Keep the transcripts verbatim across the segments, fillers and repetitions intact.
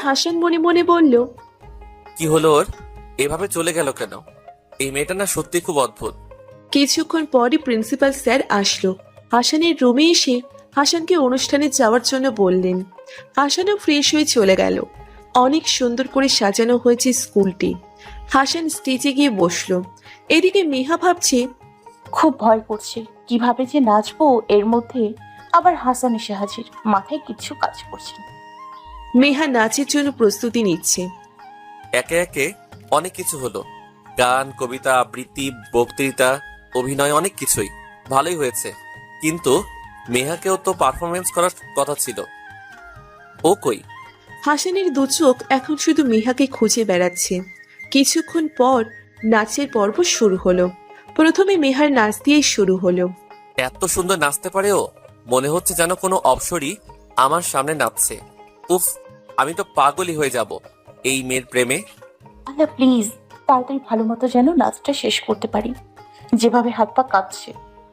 হাসান মনে মনে বলল, কি হলো ওর? এভাবে চলে গেল কেন? এই মেয়েটা না সত্যি খুব অদ্ভুত। কিছুক্ষণ পরই প্রিন্সিপাল স্যার আসলো। হাসানের রুমে এসে হাসানকে অনুষ্ঠানে যাওয়ার জন্য বললেন। হাসানও ফ্রেশ হয়ে চলে গেল। অনেক সুন্দর করে সাজানো হয়েছে স্কুলটি। হাসান স্টেজে গিয়ে বসলো। এদিকে মেহা ভাবছে, খুব ভয় করছে, কিভাবে যে নাচবো এর মধ্যে আবার হাসান এসে হাজির, মাথায় কিচ্ছু কাজ করছে না। মেহা নাচের জন্য প্রস্তুতি নিচ্ছে। একে একে অনেক কিছু হলো, গান, কবিতা, আবৃত্তি, বক্তৃতা, অভিনয়, অনেক কিছুই ভালোই হয়েছে। কিন্তু মেহাকেও তো পারফরমেন্স করার কথা ছিল, ও কই? হাসানের দু চোখ এখন শুধু মেহাকে খুঁজে বেড়াচ্ছে। কিছুক্ষণ পর নাচের পর্ব শুরু হলো। প্রথমে মেহার নাচ দিয়েই শুরু হলো। এত সুন্দর নাচতে পারে ও, মনে হচ্ছে যেন কোনো অপসরী আমার সামনে নাচছে। উফ, আমি তো পাগলই হয়ে যাব এই মেয়ের প্রেমে। আল্লাহ প্লিজ তাড়াতাড়ি ভালো মতো যেন নাচটা শেষ করতে পারি, যেভাবে হাত পা কাঁপছে।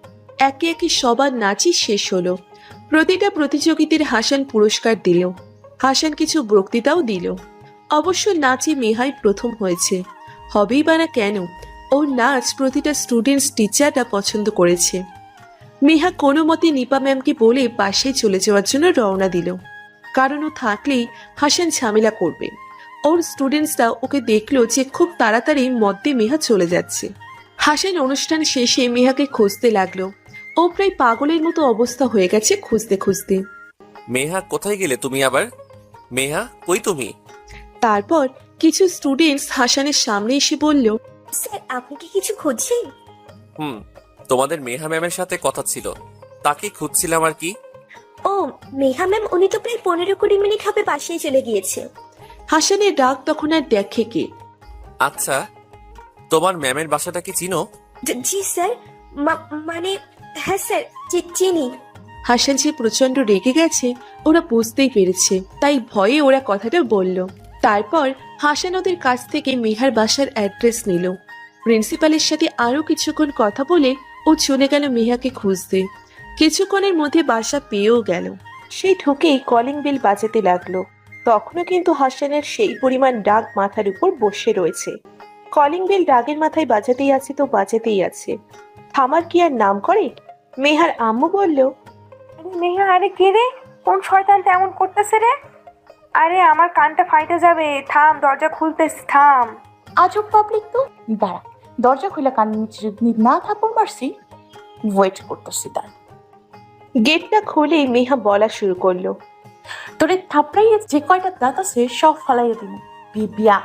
একে একে সবার নাচই শেষ হলো। প্রতিটা প্রতিযোগীদের হাসান পুরস্কার দিল। হাসান কিছু বক্তৃতাও দিল। অবশ্য নাচে মেহাই প্রথম হয়েছে, হবেই বা না কেন, ওর নাচ প্রতিটা স্টুডেন্টস টিচাররা পছন্দ করেছে। মেহা কোনো মতে নিপা ম্যামকে বলে পাশে চলে যাওয়ার জন্য রওনা দিল, কারণ ও থাকলেই হাসান ঝামেলা করবে। ওর স্টুডেন্টসরা ওকে দেখলো যে খুব তাড়াতাড়ি মধ্যে মেহা চলে যাচ্ছে। হাসান অনুষ্ঠান শেষে মেহাকে খুঁজতে লাগলো। ও প্রায় পাগলের মতো অবস্থা হয়ে গেছে খুঁজতে খুঁজতে। মেহা, কোথায় গেলে তুমি আবার? মেহা, কই তুমি? তারপর কিছু স্টুডেন্টস হাসানের সামনে এসে বলল, স্যার আপনি কি কিছু খুঁজছেন? হুম, তোমাদের মেহা ম্যামের সাথে কথা ছিল, তাকে খুঁজছিলাম আর কি। ও মেঘা ম্যাম, উনি তো প্রায় পনেরো কুড়ি মিনিট হবে বাসায় চলে গিয়েছে। হাসানের ডাক তখন আর দেখে কে। আচ্ছা, তোমার ম্যামের বাসাটা কি চিনো? জি জি স্যার, মা- মানে হ্যাঁ স্যার, চি- চিনি। হাসান যে প্রচন্ড রেগে গেছে ওরা বুঝতেই পেরেছে, তাই ভয়ে ওরা কথাটা বলল। তারপর হাসান ওদের কাছ থেকে মেহার বাসার অ্যাড্রেস নিল। প্রিন্সিপালের সাথে আরো কিছুক্ষণ কথা বলে ও চলে গেল মেহাকে খুঁজতে। কিছুক্ষণের মধ্যে বাসা পেয়েও গেল। সেই ঢুকেই কলিং বেল বাজাতে লাগলো। তখনও কিন্তু হাসানের সেই পরিমাণ ডাক মাথার উপর বসে রয়েছে। কলিং বেল ডাগের মাথায় বাজাতেই আছে তো বাজাতেই আছে, থামার কি আর নাম করে? মেহার আম্মু বলল, নেহা, আরে কে রে? কোন শয়তানটা এমন করতেছে রে? আরে আমার কানটা ফাইটে যাবে, থাম, দরজা খুলতেছি, থাম। আজব পাবলিক তো। দাঁড়া, দরজা খুলে কান নিচে যদি না থাপড় মারছি, ওয়েট করতেছি তার। গেটটা খুলেই মেহা বলা শুরু করলো, তোরে থাপড়াইয়ে যে কয়টা দাঁত আছে সব ফালাইয়া দিব, বিবিয়া।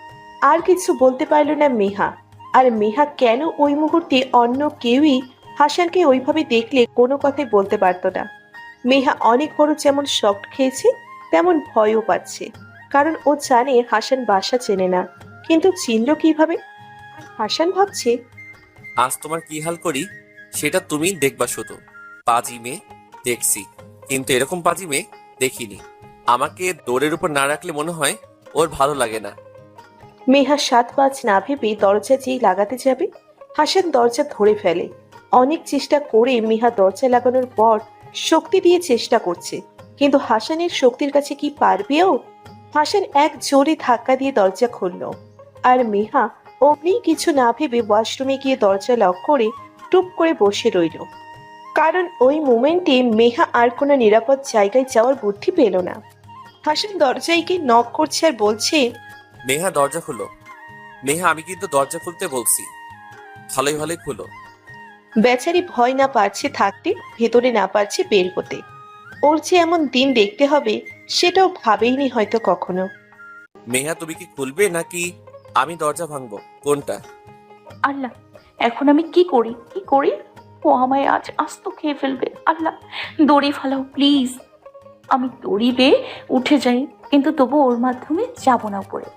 আর কিছু বলতে পারল না মেহা। আর মেহা কেন ওই মুহূর্তে অন্য কেউই হাসানকে ওইভাবে দেখলে কোনো কথাই বলতে পারতো না। মেহা অনেক বড় যেমন শক খেয়েছে তেমন ভয়ও পাচ্ছে, কারণ ও জানে হাসান বাসা চেনে না, কিন্তু চিনল কিভাবে? আর হাসান ভাবছে, আজ তোমার কি হাল করি সেটা তুমি দেখবা শুধু। পাজি মেয়ে দেখছি, কিন্তু এরকম পাজি মেয়ে দেখিনি। আমাকে দৌড়ের উপর না রাখলে মনে হয় ওর ভালো লাগে না। মেহা সাত পাঁচ না ভেবে দরজা যেই লাগাতে যাবে, হাসান দরজা ধরে ফেলে। অনেক চেষ্টা করে মেহা দরজা লাগানোর পর শক্তি দিয়ে চেষ্টা করছে, কিন্তু হাসানের শক্তির কাছে কি পারবে ও? হাসান এক জোরে ধাক্কা দিয়ে দরজা খুলল, আর মেহা অমনি কিছু না ভেবে ওয়াশরুমে গিয়ে দরজা লক করে টুপ করে বসে রইল। কারণ ওই মোমেন্টে মেহা আর কোনো নিরাপদ জায়গায় যাওয়ার বুদ্ধি পেল না। হাসান দরজায় গিয়ে নক করছে আর বলছে, মেহা, দরজা খুলো। মেহা, আমি কিন্তু দরজা খুলতে বলছি, ভালোই ভালোই খুলো। বেচারি ভয় না পারছে থাকতে, ভেতরে না পারছে বের হতে। ওর যে এমন দিন দেখতে হবে সেটাও ভাবেইনি হয়তো কখনো। মেহা, তুমি কি খুলবে নাকি আমি দরজা ভাঙবো, কোনটা? আল্লাহ, এখন আমি কি করি কি করি? ও আমায় আজ আস্ত খেয়ে ফেলবে। আল্লাহ, দড়ি ফালাও প্লিজ। আমি দড়ি বেয়ে উঠে যাই, কিন্তু তবু ওর মাধ্যমে যাব না উপরে।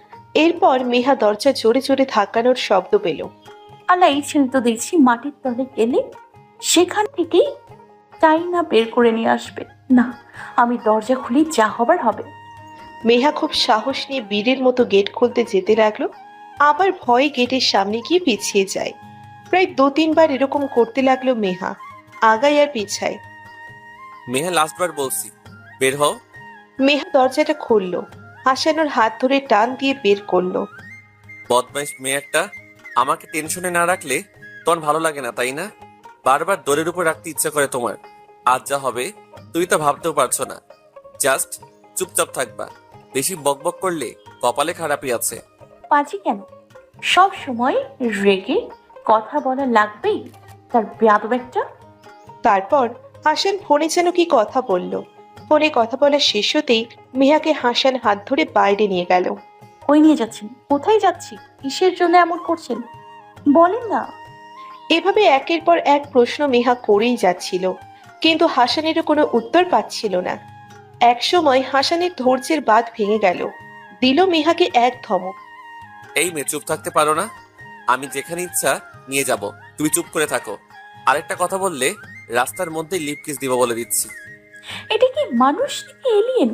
এরপর মেহা দরজা জোরে জোরে ধাক্কানোর শব্দ পেল। আল্লাহ, এই ছেলে তো দেখছি মাটির তলে গেলে সেখান থেকেই চাই না বের করে নিয়ে আসবে। না, আমি দরজা খুলি, যা হবার হবে। মেহা খুব সাহস নিয়ে বীরের মতো গেট খুলতে যেতে লাগলো, আবার ভয়ে গেটের সামনে গিয়ে পিছিয়ে যায়। প্রায় দু তিনবার এরকম করতে লাগলো মেহা, আগায় আর পিছায়। মেহা, লাস্টবার বলছি, বের হও। মেহা দরজাটা খুলল। হাসান ওর হাত ধরে টান দিয়ে বের করলো। বদমাইশ মেয়ে একটা। আমাকে টেনশনে না রাখলে তোমার ভালো লাগে না, তাই না? বারবার দোরের উপর রাখতে ইচ্ছা করে তোমার। আজ যা হবে তুই তো ভাবতেও পারছো না। জাস্ট চুপচাপ থাকবা। বেশি বকবক করলে কপালে খারাপই আছে। পাজি কেন? সব সময় রেগে কথা বলা লাগবেই, তার বেয়াদব একটা। তারপর হাসান ফোনে যেন কি কথা বলল। ফোনে কথা বলা শেষ হতেই মেহাকে হাসান হাত ধরে বাইরে নিয়ে গেল। কই নিয়ে যাচ্ছেন? কোথায় যাচ্ছি? কিসের জন্য এমন করছেন বলেন না। এভাবে একের পর এক প্রশ্ন মেহা করেই যাচ্ছিল, কিন্তু হাসানেরও কোনো উত্তর পাচ্ছিল না। এক সময় হাসানের ধৈর্যের বাঁধ ভেঙে গেল, দিল মেহাকে এক ধমক। এই মেয়ে, চুপ থাকতে পারো না? আমি যেখানে ইচ্ছা নিয়ে যাব, তুমি চুপ করে থাকো। আরেকটা কথা বললে রাস্তার মধ্যে লিপ কিস দিব বলে দিচ্ছি। এটা কি মানুষ নাকি এলিয়েন?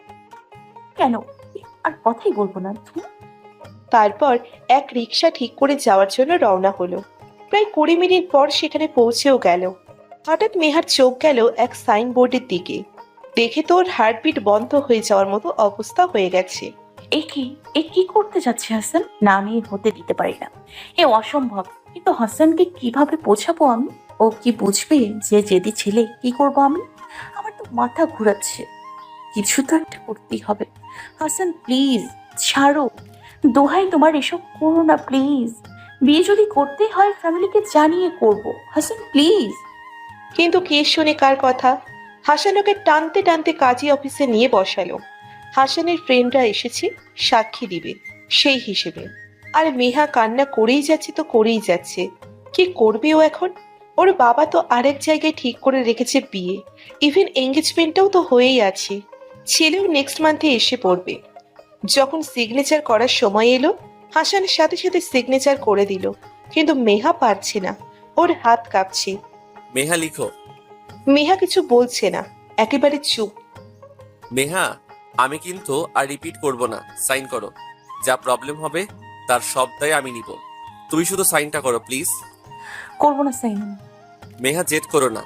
কেন আর কথাই বলবো না। ধুর। তারপর এক রিক্সা ঠিক করে যাওয়ার জন্য রওনা হলো। প্রায় কুড়ি মিনিট পর সেখানে পৌঁছেও গেল। হঠাৎ মেহার চোখ গেল এক সাইনবোর্ডের দিকে। দেখে তো ওর হার্টবিট বন্ধ হয়ে যাওয়ার মতো অবস্থা হয়ে গেছে। এ কি এ কি করতে যাচ্ছে হাসান? না, আমি হতে দিতে পারি না, এ অসম্ভব। কিন্তু হাসানকে কিভাবে বোঝাবো আমি? ও কি বুঝবে যে জেদি ছেলে? কি করব আমি? আমার তো মাথা ঘুরাচ্ছে। কিছু তো একটা করতেই হবে। হাসান প্লিজ ছাড়ো, দোহাই তোমার, এসব করো না প্লিজ। বিয়ে যদি করতে হয় ফ্যামিলিকে জানিয়ে করব। হাসান প্লিজ। কিন্তু কে শুনে কার কথা? হাসান ওকে টানতে টানতে কাজী অফিসে নিয়ে বসালো। হাসানের ফ্রেন্ডরা এসেছে সাক্ষী দিবে সেই হিসেবে। আর মেহা কান্না করেই যাচ্ছে তো করেই যাচ্ছে। কি করবে ও এখন? ওর বাবা তো আরেক জায়গায় ঠিক করে রেখেছে বিয়ে, ইভেন এঙ্গেজমেন্টটাও তো হয়েই আছে। ছেলেও নেক্সট মান্থে এসে পড়বে। যখন সিগনেচার করার সময় এলো, হাসানের সাথে সাথে সিগনেচার করে দিল, কিন্তু মেহা পারছে না, ওর হাত কাঁপছে। মেহা, লিখো। মেহা কিছু বলছে না, একেবারে চুপ। মেহা, আমি কিন্তু আর রিপিট করব না। সাইন করো। যা প্রবলেম হবে তার সব দায় আমি নিব। তুমি শুধু সাইনটা করো প্লিজ। করবো না সাইন। মেহা, জেদ করো না।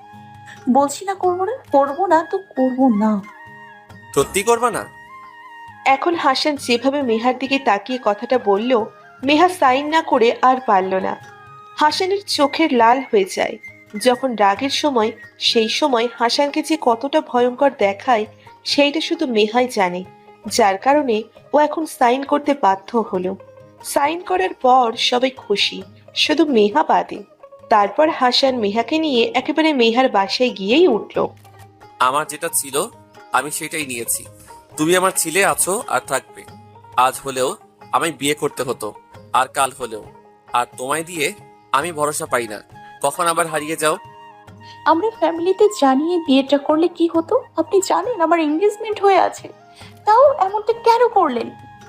বলছি না করবো না, করবো না তো করবো না। সত্যি করবা না? এখন হাসান যেভাবে মেহার দিকে তাকিয়ে কথাটা বলল, মেহা সাইন না করে আর পারল না। হাসানের চোখের লাল হয়ে যায় যখন রাগের সময়। সেই সময় হাসানকে যে কতটা ভয়ঙ্কর দেখায় সেইটা শুধু মেহাই জানে, যার কারণে ও এখন সাইন করতে বাধ্য হলো। সাইন করার পর সবাই খুশি, শুধু মেহা বাদে। তারপর হাসান মেহাকে নিয়ে একেবারে মেহার বাসায় গিয়েই উঠল। আমার যেটা ছিল আমি সেটাই নিয়েছি। তুমি আমার ছিলে, আছো আর থাকবে। আজ হলেও আমায় বিয়ে করতে হতো, আর কাল হলেও। আর তোমায় দিয়ে আমি ভরসা পাই না, কখন আবার হারিয়ে যাও। আমরা ফ্যামিলিতে জানিয়ে বিয়েটা করলে কি হতো? আপনি জানেন আমার এঙ্গেজমেন্ট হয়ে আছে, তাও এমনটা কেন করলেন?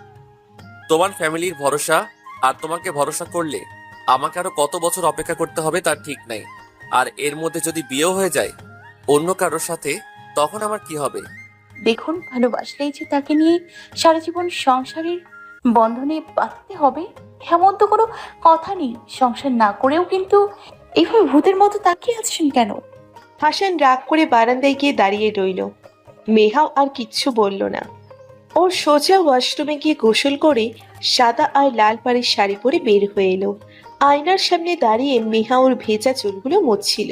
তোমার ফ্যামিলির ভরসা আর তোমাকে ভরসা করলে আমাকে আরো কত বছর অপেক্ষা করতে হবে তার ঠিক নাই। আর এর মধ্যে যদি বিয়েও হয়ে যায় অন্য কারোর সাথে, তখন আমার কি হবে? দেখুন, ভালোবাসলেই যে তাকে নিয়ে সারা জীবন সংসারের বন্ধনে বাঁধতে হবে এমন তো কোনো কথা নেই। সংসার না করেও কিন্তু এইভাবে ভূতের মতো তাকিয়ে আছেন কেন? হাসান রাগ করে বারান্দায় গিয়ে দাঁড়িয়ে রইল। মেহাও আর কিচ্ছু বলল না। ওর সোজা ওয়াশরুমে গিয়ে গোসল করে সাদা আর লাল পাড়ের শাড়ি পরে বের হয়ে এলো। আয়নার সামনে দাঁড়িয়ে মেহা ওর ভেজা চুলগুলো মুছছিল।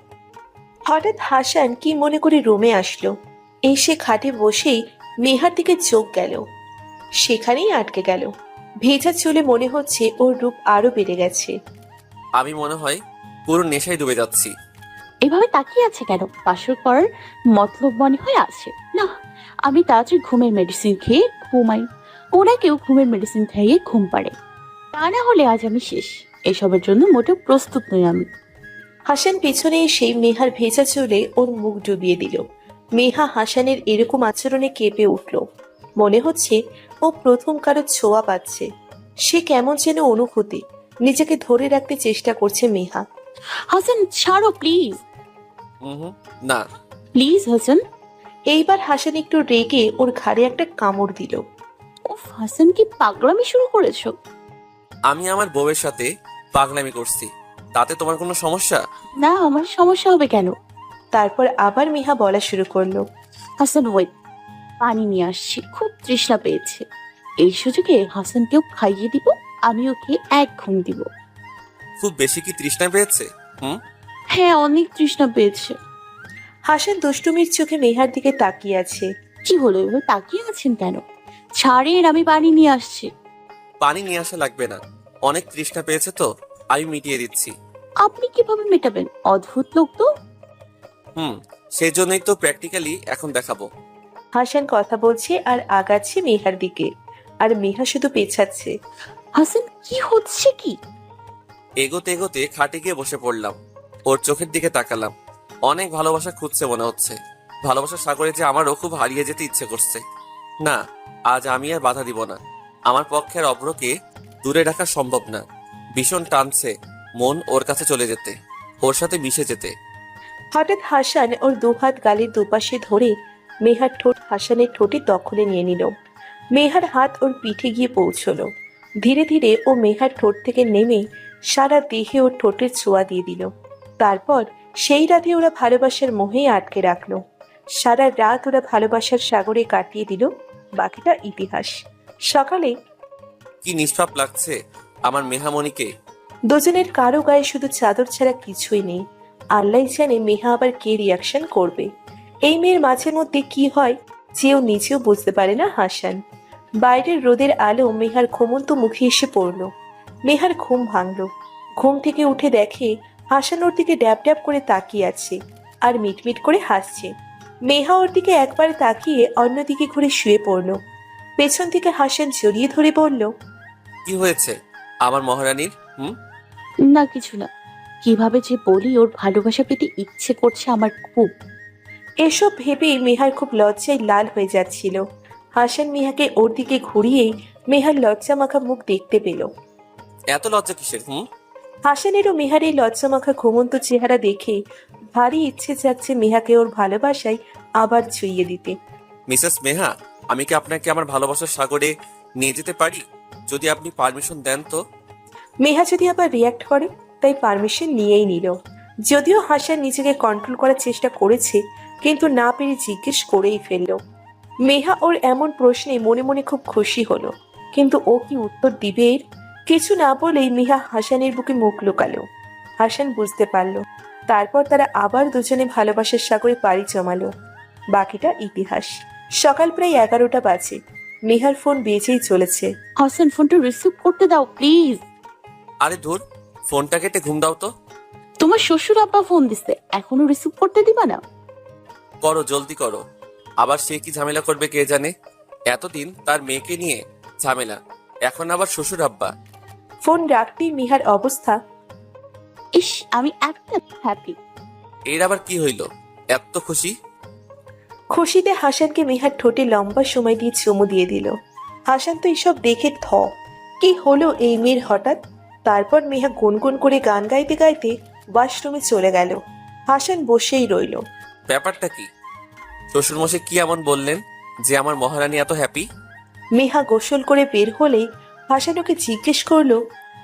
হঠাৎ হাসান কি মনে করে রুমে আসলো। এসে খাটে বসেই মেহার দিকে চোখ গেল, সেখানেই আটকে গেল। ভেজা চুলে মনে হচ্ছে ওর রূপ আরো বেড়ে গেছে। আমি মনে হয় পুরো নেশায় ডুবে যাচ্ছি। এভাবে তাকিয়ে আছে কেন? বাসর করার মতলব মনে হয় আছে না? আমি তাড়াতাড়ি ঘুমের মেডিসিন খেয়ে ঘুমাই। ওরা কেউ ঘুমের মেডিসিন খাইয়ে ঘুম পাড়ে, তা না হলে আজ আমি শেষ। এসবের জন্য মোটেও প্রস্তুত নই আমি। হাসান পেছনে এসে মেহার ভেজা চুলে ওর মুখ ডুবিয়ে দিল। মেহা হাসানের এরকম আচরণে কেঁপে উঠল। মনে হচ্ছে ও প্রথম কারো ছোঁয়া পাচ্ছে। সে কেমন যেন অনুভূতি, নিজেকে ধরে রাখতে চেষ্টা করছে মেহা। হাসান ছাড়ো প্লিজ। হুম, না। প্লিজ হাসান। এইবার হাসান একটু রেগে ওর ঘাড়ে একটা কামড় দিল। উফ, হাসান কি পাগলামি শুরু করেছো? আমি আমার বউয়ের সাথে পাগলামি করছি, তাতে তোমার কোনো সমস্যা? না, আমার সমস্যা হবে কেন? তারপর আবার মেহা বলা শুরু করলো। হাসান ওয়েট। পানি নিয়ে আসছি, খুব তৃষ্ণা পেয়েছে। এই সুযোগে হাসানকেও খাইয়ে দিব, আমি ওকে এক ঘুম দিব। খুব বেশি কি তৃষ্ণা পেয়েছে? হুম। হ্যাঁ, অনেক তৃষ্ণা পেয়েছে। হাসান দুষ্টুমির চোখে মেহার দিকে তাকিয়ে আছে। কি হলো, এভাবে তাকিয়ে আছেন কেন? ছাড়েন, আমি পানি নিয়ে আসছি। পানি নিয়ে আসা লাগবে না, অনেক তৃষ্ণা পেয়েছে তো, আমি মিটিয়ে দিচ্ছি। আপনি কিভাবে মেটাবেন? অদ্ভুত লোক তো। হুম, সেই জন্যই তো প্র্যাকটিক্যালি এখন দেখাবো। হাসান কথা বলছে আর আগাচ্ছে মেহার দিকে, আর মেহা শুধু পেছাচ্ছে। হাসান, কি হচ্ছে কি? এগোতে এগোতে খাটে গিয়ে বসে পড়লাম, ওর চোখের দিকে তাকালাম। অনেক ভালোবাসা খুঁজছে মনে হচ্ছে। ভালোবাসার সাগরে যে আমারও খুব হারিয়ে যেতে ইচ্ছে করছে। না, আজ আমি আর বাধা দিব না। আমার পক্ষে আর অভ্রকে দূরে রাখা সম্ভব না। ভীষণ টানছে মন ওর কাছে চলে যেতে, ওর সাথে মিশে যেতে। হঠাৎ হাসান ওর দুহাত গালের দুপাশে ধরে মেহার ঠোঁট হাসানের ঠোঁটে দখলে নিয়ে নিল। মেহার হাত ওর পিঠে গিয়ে পৌঁছলো। ধীরে ধীরে ও মেহার ঠোঁট থেকে নেমে সারা দেহে ওর ঠোঁটের ছোঁয়া দিয়ে দিল। তারপর সেই রাতে ওরা ভালোবাসার মোহে আটকে রাখলো। সারা রাত ওরা ভালোবাসার সাগরে কাটিয়ে দিল, বাকিটা ইতিহাস। সকালে কি নিষ্পাপ লাগছে আমার মেহামণিকে। দুজনের কারো গায়ে শুধু চাদর ছাড়া কিছুই নেই। আল্লাহ জানে মেহা আবার কে রিয়াকশন করবে। এই মেয়ের মাঝে মধ্যে কি হয় যেও নিজেও বুঝতে পারে না হাসান। বাইরের রোদের আলো মেহার ঘুমন্ত মুখে এসে পড়ল। মেহার ঘুম ভাঙল। ঘুম থেকে উঠে দেখে হাসান ওর দিকে ড্যাব ড্যাব করে তাকিয়ে আছে আর মিটমিট করে হাসছে। মেহা ওর দিকে একবার তাকিয়ে অন্যদিকে ঘুরে শুয়ে পড়ল। পেছন থেকে হাসান জড়িয়ে ধরে বলল, কি হয়েছে আমার মহারানীর? হুম। না, কিছু না। কিভাবে যে বলি, ওর ভালোবাসা পেতে ইচ্ছে করছে আমার খুব। এসব ভেবেই মেহার খুব লজ্জায় লাল হয়ে যাচ্ছিল। হাসান মেহাকে ওর দিকে ঘুরিয়েই মেহার লজ্জা মাখা মুখ দেখতে পেল। এত লজ্জা কিসের? হুম। হাসানেরও মেহার এই লজ্জা মাখা ঘুমন্ত চেহারা দেখে ভারী ইচ্ছে যাচ্ছে মেহাকে ওর ভালোবাসায় আবার ছুঁয়ে দিতে। মিসেস মেহা, আমি কি আপনাকে আমার ভালোবাসার সাগরে নিয়ে যেতে পারি? যদি আপনি পারমিশন দেন তো। মেহা যদি আবার রিয়াক্ট করে, তাই পারমিশন নিয়েই নিল। যদিও হাসান নিজেকে কন্ট্রোল করার চেষ্টা করেছে, কিন্তু না পেরে জিজ্ঞেস করেই ফেলল। মেহা ওর এমন প্রশ্নে মনে মনে খুব খুশি হলো, কিন্তু ও কি উত্তর দিবে এর? কিছু না বলেই মেহা হাসানের বুকে মুখ লুকালো। হাসান বুঝতে পারল। তারপর তারা আবার দুজনে ভালোবাসার সাগরে পাড়ি জমালো, বাকিটা ইতিহাস। সকাল প্রায় এগারোটা বাজে। মেহার ফোন বেজেই চলেছে। হাসান, ফোনটা রিসিভ করতে দাও প্লিজ। আরে ধুর, ফোনটা কেটে ঘুম দাও তো। তোমার শ্বশুর আব্বা ফোন দিছে, এখনো রিসিভ করতে দিবা না? করো, জলদি করো। আবার সে কি ঝামেলা করবে কে জানে। এতদিন তার মেয়েকে নিয়ে ঝামেলা, এখন আবার শ্বশুর আব্বা। ফোন রাখতেই মিহার অবস্থা। ইস, আমি একটা হ্যাপি। এর আবার কি হইল? এত খুশি? খুশিতে হাসানকে মিহার ঠোঁটে লম্বা সময় দিয়ে চুমু দিয়ে দিল। হাসান তো এসব দেখে থ। কি হলো এই মেয়ের হঠাৎ? তারপর মেহা গুনগুন করে গান গাইতে গাইতে ওয়াশরুমে চলে গেল। হাসান বসেই রইল। ব্যাপারটা কি? শ্বশুরমশাই কি এমন বললেন যে আমার মহারানী এত হ্যাপি? মেহা গোসল করে বের হলেই হাসান ওকে জিজ্ঞেস করলো,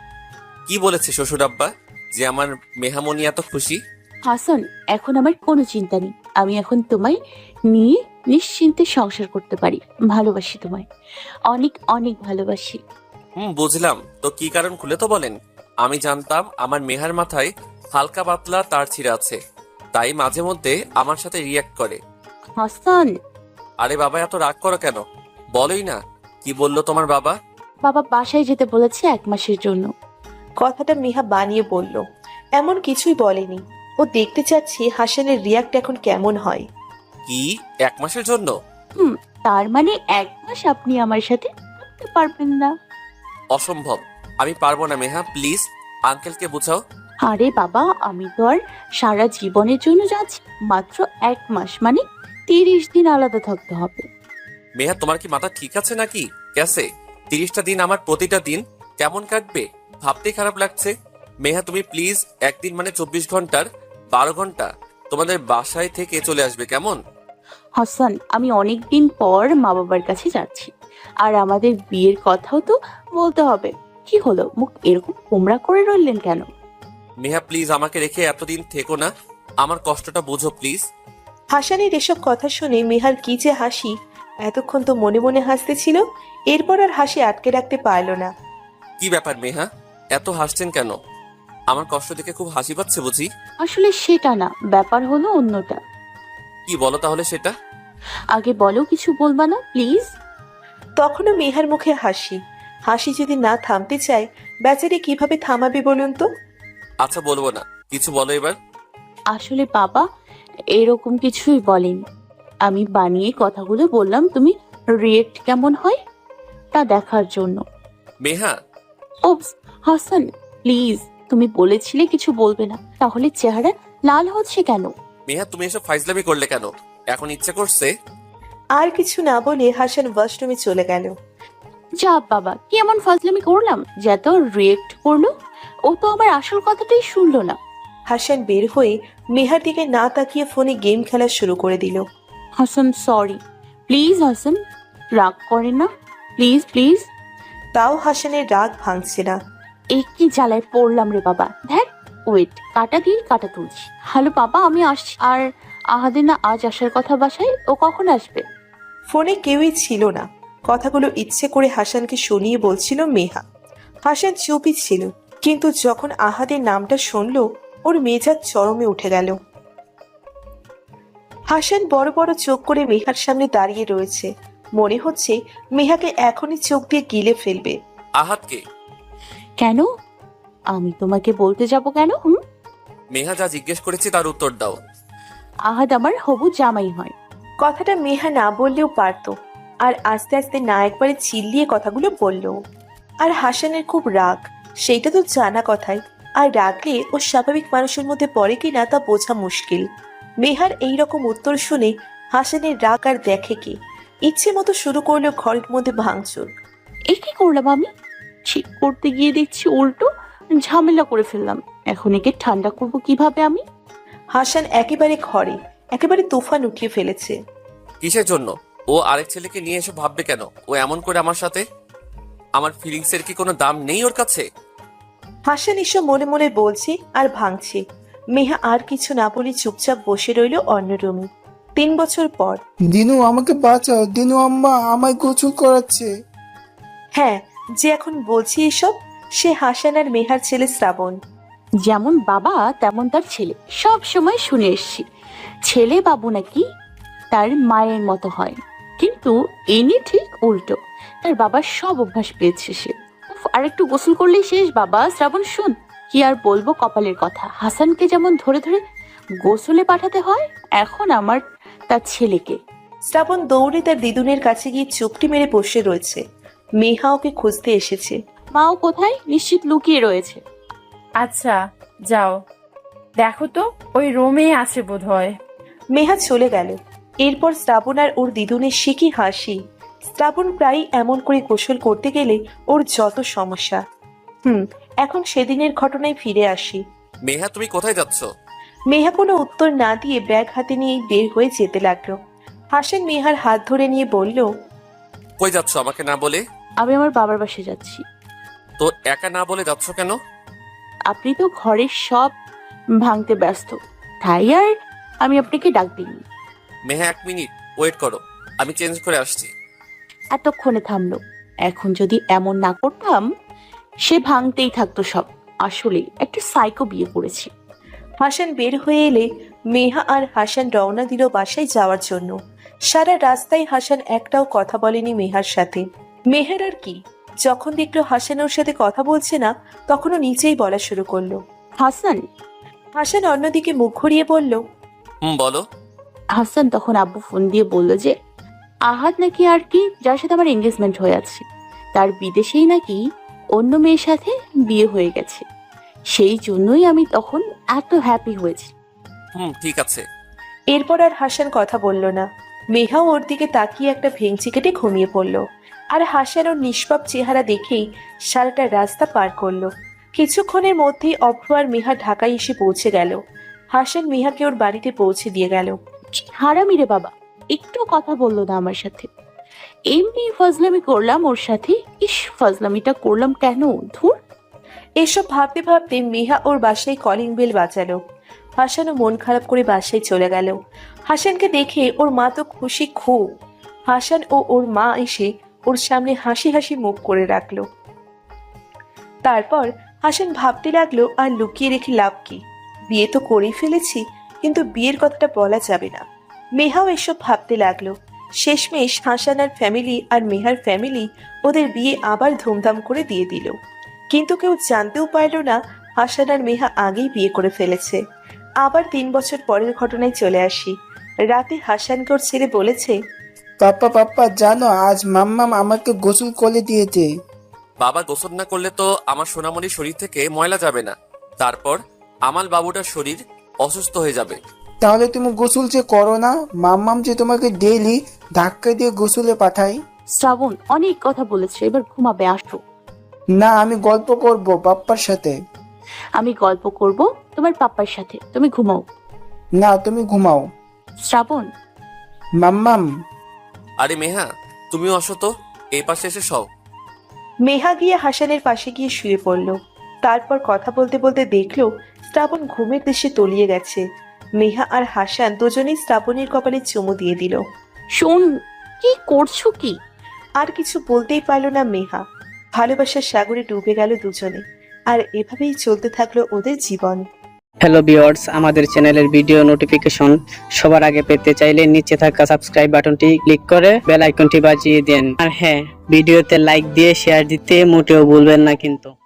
কি বলেছে শ্বশুর আব্বা যে আমার মেহামণি এত খুশি? হাসান, এখন আমার কোনো চিন্তা নেই। আমি এখন তোমায় নিয়ে নিশ্চিন্তে সংসার করতে পারি। ভালোবাসি তোমায়, অনেক অনেক ভালোবাসি। হুম, বুঝলাম তো। কি কারণ খুলে তো বলেন। আমি জানতাম আমার মেহার মাথায় হালকা পাতলা তার ছিঁড়া আছে, তাই মাঝে মধ্যে আমার সাথে রিয়াক্ট করে। হাসান, আরে বাবা, এত রাগ করো কেন? বলোই না, কি বললো তোমার বাবা? বাবা বাসায় যেতে বলেছে এক মাসের জন্য। কথাটা মেহা বানিয়ে বলল, এমন কিছুই বলেনি। ও দেখতে চাচ্ছে হাসানের রিয়াক্ট এখন কেমন হয়। কি, এক মাসের জন্য? হুম, তার মানে এক মাস আপনি আমার সাথে থাকতে পারবেন না? অসম্ভব, আমি পারবো না মেহা, প্লিজ আঙ্কেলকে বুঝাও। আরে বাবা, আমি তো আর সারা জীবনের জন্য যাচ্ছি, মাত্র এক মাস, মানে তিরিশ দিন আলাদা থাকতে হবে। মেহা, তোমার কি মাথা ঠিক আছে নাকি? ক্যাসে তিরিশটা দিন আমার প্রতিটা দিন কেমন কাটবে ভাবতেই খারাপ লাগছে। মেহা, তুমি প্লিজ একদিন মানে চব্বিশ ঘন্টার বারো ঘন্টা তোমাদের বাসায় থেকে চলে আসবে, কেমন? হাসান, আমি অনেক দিন পর মা বাবার কাছে যাচ্ছি, আর আমাদের বিয়ের কথাও তো বলতে হবে। কি হলো, মুখ এরকম কোমড়া করে রইলেন কেন? মেহা প্লিজ আমাকে রেখে এতদিন থেকো না, আমার কষ্টটা বুঝো প্লিজ। হাসানের এসব কথা শুনে মেহার কি যে হাসি এতক্ষণ তো মনে মনে হাসতেছিল, এরপর আর হাসি আটকে রাখতে পারল না। কি ব্যাপার মেহা, এত হাসছেন কেন? আমার কষ্ট দেখে খুব হাসি পাচ্ছে বুঝি? আসলে সেটা না, ব্যাপার হলো অন্যটা। কি বলো তাহলে সেটা? আগে বলো, কিছু বলবা না প্লিজ? তখনও মেহার মুখে হাসি। হাসি যদি না থামতে চায়, বেচারি কিভাবে থামাবে বলুন তো? আচ্ছা বলবো না, কিছু বলো এবার। আসলে বাবা এরকম কিছুই বলেনি, আমি বানিয়ে কথাগুলো বললাম, তুমি রিয়েক্ট কেমন হয় তা দেখার জন্য। মেহা, ওপস, হাসান প্লিজ, তুমি বলেছিলে কিছু বলবে না, তাহলে চেহারা লাল হচ্ছে কেন? মেহা তুমি এসব ফাইজলামি করলে কেন? এখন ইচ্ছা করছে? আর কিছু না বলে হাসান ওয়াশরুমে চলে গেল। যা বাবা, কি এমন ফাজলামি করলাম যে এত রিয়েক্ট করলো? ও তো আমার আসল কথাটাই শুনলো না। হাসান বের হয়ে মেহার দিকে না তাকিয়ে ফোনে গেম খেলা শুরু করে দিল। হাসান সরি, প্লিজ হাসান, রাগ করে না, প্লিজ প্লিজ। তাও হাসানের রাগ ভাঙছে না। এই কি জ্বালায় পড়লাম রে বাবা, দেখ ওয়েট, কাটা দিয়ে কাটা তুলছি। হ্যালো বাবা, আমি আসছি। আর আহাদে না আজ আসার কথা বাসায়, ও কখন আসবে? ফোনে কেউই ছিল না। কথাগুলো ইচ্ছে করে হাসানকে শুনিয়ে বলছিল মেহা। হাসান চুপই ছিল, কিন্তু যখন আহাদের নামটা শুনল, ওর মেজাজ চরমে উঠে গেল। হাসান বড় বড় চোখ করে মেহার সামনে দাঁড়িয়ে রয়েছে। মনে হচ্ছে মেহাকে এখনই চোখ দিয়ে গিলে ফেলবে। আহাতকে? কেন? আমি তোমাকে বলতে যাব কেন? হুম, মেহা যা জিজ্ঞেস করেছি তার উত্তর দাও। আহাদ আমার হবু জামাই হয়। কথাটা মেহা না বললেও পারত, আর আস্তে আস্তে না একবারে চিল্লিয়ে কথাগুলো বলল। আর হাসানের খুব রাগ, সেইটা তো জানা কথাই। আর রাগলে ও স্বাভাবিক মানুষের মধ্যে পড়ে কিনা তা বোঝা মুশকিল। মেহার এই রকম উত্তর শুনে হাসানের রাগ আর দেখে কি, ইচ্ছে মতো শুরু করলো ঘরের মধ্যে ভাঙচুর। এ কি করলাম আমি? ঠিক করতে গিয়ে দেখছি উল্টো ঝামেলা করে ফেললাম। এখন একে ঠান্ডা করবো কিভাবে আমি? হাসান একেবারে ঘরে একেবারে তুফান উঠিয়ে ফেলেছে। কিসের জন্য? ও আরেক ছেলেকে নিয়ে এসে ভাববে কেন ও এমন করে আমার সাথে? আমার ফিলিংস এর কি কোনো দাম নেই ওর কাছে? হাসান এসব মনে মনে বলছে আর ভাঙছে। মেহা আর কিছু না বলে চুপচাপ বসে রইল অন্য রুমে। তিন বছর পর। দিনু আমাকে বাঁচাও, দিনু আম্মা আমায় গোসল করাচ্ছে। হ্যাঁ, যে এখন বলছি এসব, সে হাসান আর মেহার ছেলে শ্রাবণ। যেমন বাবা তেমন তার ছেলে, সব সময় শুনে এসছি ছেলে বাবু নাকি তার মায়ের মতো হয়, কিন্তু এনি ঠিক উল্টো। তার বাবার সব অভ্যাস পেয়েছে সে। উফ, আর একটু গোসল করলেই শেষ। বাবা শ্রাবণ শুন, কি আর বলবো কপালের কথা, হাসানকে যেমন ধরে ধরে গোসলে পাঠাতে হয়, এখন আমার তার ছেলেকে। শ্রাবণ দৌড়ে তার দিদুনের কাছে গিয়ে চুপটি মেরে বসে রয়েছে। মেহা ওকে খুঁজতে এসেছে। মাও কোথায়? নিশ্চিত লুকিয়ে রয়েছে। আচ্ছা যাও, দেখো তো ওই রুমে আছে বোধ হয়। মেহা চলে গেল। এরপর শ্রাবণ আর ওর দিদুনের সে কি হাসি। শ্রাবণ প্রায় এমন করে গোসল করতে গেলে ওর যত সমস্যা। হুম এখন সেদিনের ঘটনায় ফিরে আসি। মেহা তুমি কোথায় যাচ্ছ? মেহা কোনো উত্তর না দিয়ে ব্যাগ হাতে নিয়ে বের হয়ে যেতে লাগলো। হাসান মেহার হাত ধরে নিয়ে বলল, কই যাচ্ছ আমাকে না বলে? আমি আমার বাবার বাসায় যাচ্ছি। তো একা না বলে যাচ্ছ কেন? আপনি তো ঘরের সব ভাঙতে ব্যস্ত, তাই আর আমি আপনাকে ডাক দিইনি। মেহা এক মিনিট ওয়েট করো, আমি চেঞ্জ করে আসছি। এতক্ষণে থামলো। এখন যদি এমন না করতাম সে ভাঙতেই থাকতো সব। আসলে একটা সাইকো বিয়ে করেছি। হাসান বের হয়ে এলে মেহা আর হাসান রওনা দিল বাসায় যাওয়ার জন্য। সারা রাস্তায় হাসান একটাও কথা বলেনি মেহার সাথে। মেহার আর কি, যখন দেখলো হাসান ওর সাথে কথা বলছে না, তখনও নিচেই বলা শুরু করলো। হাসান। হাসান অন্যদিকে মুখ ঘুরিয়ে বলল, হুম বলো। হাসান তখন আব্বু ফোন দিয়ে বলল যে আহাদ নাকি আর কি যার সাথে আমার এঙ্গেজমেন্ট হয়ে আছে, তার বিদেশেই নাকি অন্য মেয়ের সাথে বিয়ে হয়ে গেছে। সেই জন্যই আমি তখন এত হ্যাপি হয়েছি। হুম ঠিক আছে। এরপর আর হাসান কথা বলল না। মেহাও ওর দিকে তাকিয়ে একটা ভেঙচি কেটে ঘুমিয়ে পড়ল। আর হাসান ওর নিষ্পাপ চেহারা দেখেই সারাটা রাস্তা পার করলো। কিছুক্ষণের মধ্যেই অভ্র আর মেহা ঢাকায় এসে পৌঁছে গেল। হাসান মেহাকে ওর বাড়িতে পৌঁছে দিয়ে গেল। হারামি রে বাবা, একটু কথা বললো না আমার সাথে। এমনি ফজলামি করলাম ওর সাথে। ইস, ফজলামিটা করলাম কেন? ধুর। এসব ভাবতে ভাবতে মেহা ওর বাসায় কলিং বেল বাজালো। হাসানও মন খারাপ করে বাসায় চলে গেল। হাসানকে দেখে ওর মা তো খুশি খুব। হাসান ও ওর মা এসে ওর সামনে হাসি হাসি মুখ করে রাখলো। তারপর হাসান ভাবতে লাগলো আর লুকিয়ে রেখে লাভ কি, বিয়ে তো করেই ফেলেছি, কিন্তু বিয়ের কথাটা বলা যাবে না। মেহাও এসব ভাবতে লাগলো। শেষমেশ হাসান আর ফ্যামিলি আর মেহার ফ্যামিলি ওদের বিয়ে আবার ধুমধাম করে দিয়ে দিল। কিন্তু কেউ জানতেও পারল না হাসান আর মেহা আগেই বিয়ে করে ফেলেছে। আবার তিন বছর পরের ঘটনায় চলে আসি। রাতে হাসানকে ওর ছেলে বলেছে, পাপ্পা পাপ্পা জানো আজ মাম্মাম আমাকে গোসল করে দিয়েছে। বাবা গোসল না করলে তো আমার সোনামণির শরীর থেকে ময়লা যাবে না, তারপর আমার বাবুটার শরীর অসুস্থ হয়ে যাবে। তাহলে তুমি গোসল যে করো না, মাম্মাম যে তোমাকে ডেইলি ধাক্কা দিয়ে গোসলে পাঠাই। শ্রাবণ অনেক কথা বলেছে, এবার ঘুমাবে, আসো। না আমি গল্প করব পাপ্পার সাথে। আমি গল্প করব তোমার পাপ্পার সাথে, তুমি ঘুমাও। না তুমি ঘুমাও। শ্রাবণ, মাম্মাম। আরে মেহা, তুমিও আসো তো, এই পাশে এসে সও। মেহা গিয়ে হাসানের পাশে গিয়ে শুয়ে পড়ল। তারপর কথা বলতে বলতে দেখলো শ্রাবণ ঘুমের দেশে তলিয়ে গেছে। মেহা আর হাসান দুজনেই শ্রাবণের কপালে চুমু দিয়ে দিল। শোন, কি করছো কি? আর কিছু বলতেই পারল না মেহা। ভালোবাসার সাগরে ডুবে গেল দুজনে, আর এভাবেই চলতে থাকলো ওদের জীবন। হ্যালো ভিউয়ার্স, আমাদের চ্যানেলের ভিডিও নোটিফিকেশন সবার আগে পেতে চাইলে নিচে থাকা সাবস্ক্রাইব বাটনটি ক্লিক করে বেল আইকনটি বাজিয়ে দেন। আর হ্যাঁ, ভিডিওতে লাইক দিয়ে শেয়ার দিতে মোটেও ভুলবেন না কিন্তু।